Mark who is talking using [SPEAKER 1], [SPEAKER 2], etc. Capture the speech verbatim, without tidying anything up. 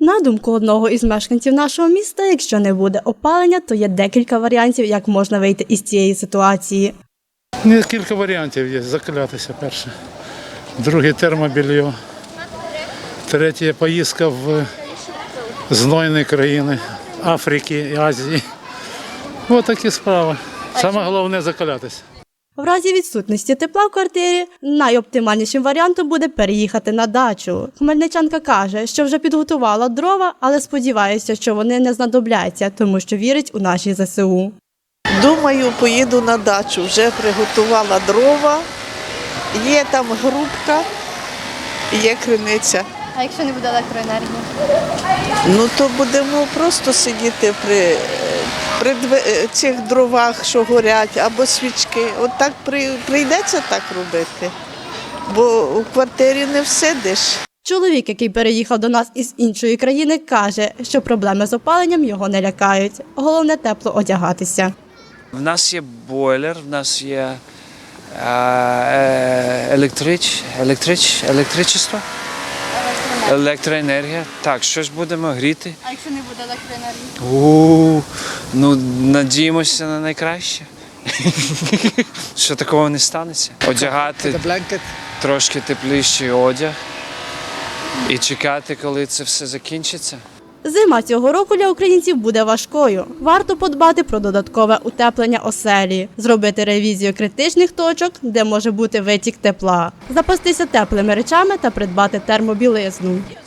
[SPEAKER 1] На думку одного із мешканців нашого міста, якщо не буде опалення, то є декілька варіантів, як можна вийти із цієї ситуації.
[SPEAKER 2] Ну, кілька варіантів є. Заклятися перше. Друге – термобільйо. Третє – поїздка в знойні країни Африки і Азії. Ось такі справи. Саме головне – заклятися.
[SPEAKER 1] В разі відсутності тепла в квартирі найоптимальнішим варіантом буде переїхати на дачу. Хмельничанка каже, що вже підготувала дрова, але сподівається, що вони не знадобляться, тому що вірить у наші зе се у.
[SPEAKER 3] Думаю, поїду на дачу. Вже приготувала дрова, є там грубка, є криниця.
[SPEAKER 4] А якщо не буде електроенергії?
[SPEAKER 3] Ну то будемо просто сидіти при, при цих дровах, що горять, або свічки. От так при, прийдеться так робити, бо у квартирі не всидиш.
[SPEAKER 1] Чоловік, який переїхав до нас із іншої країни, каже, що проблеми з опаленням його не лякають. Головне – тепло одягатися.
[SPEAKER 5] В нас є бойлер, в нас є е, електрич, електрич, електричество, електроенергія. Так, щось будемо гріти.
[SPEAKER 4] А якщо не буде електроенергії?
[SPEAKER 5] У, ну, надіємося на найкраще. Що такого не станеться. Одягати трошки тепліший одяг і чекати, коли це все закінчиться.
[SPEAKER 1] Зима цього року для українців буде важкою. Варто подбати про додаткове утеплення оселі, зробити ревізію критичних точок, де може бути витік тепла, запастися теплими речами та придбати термобілизну.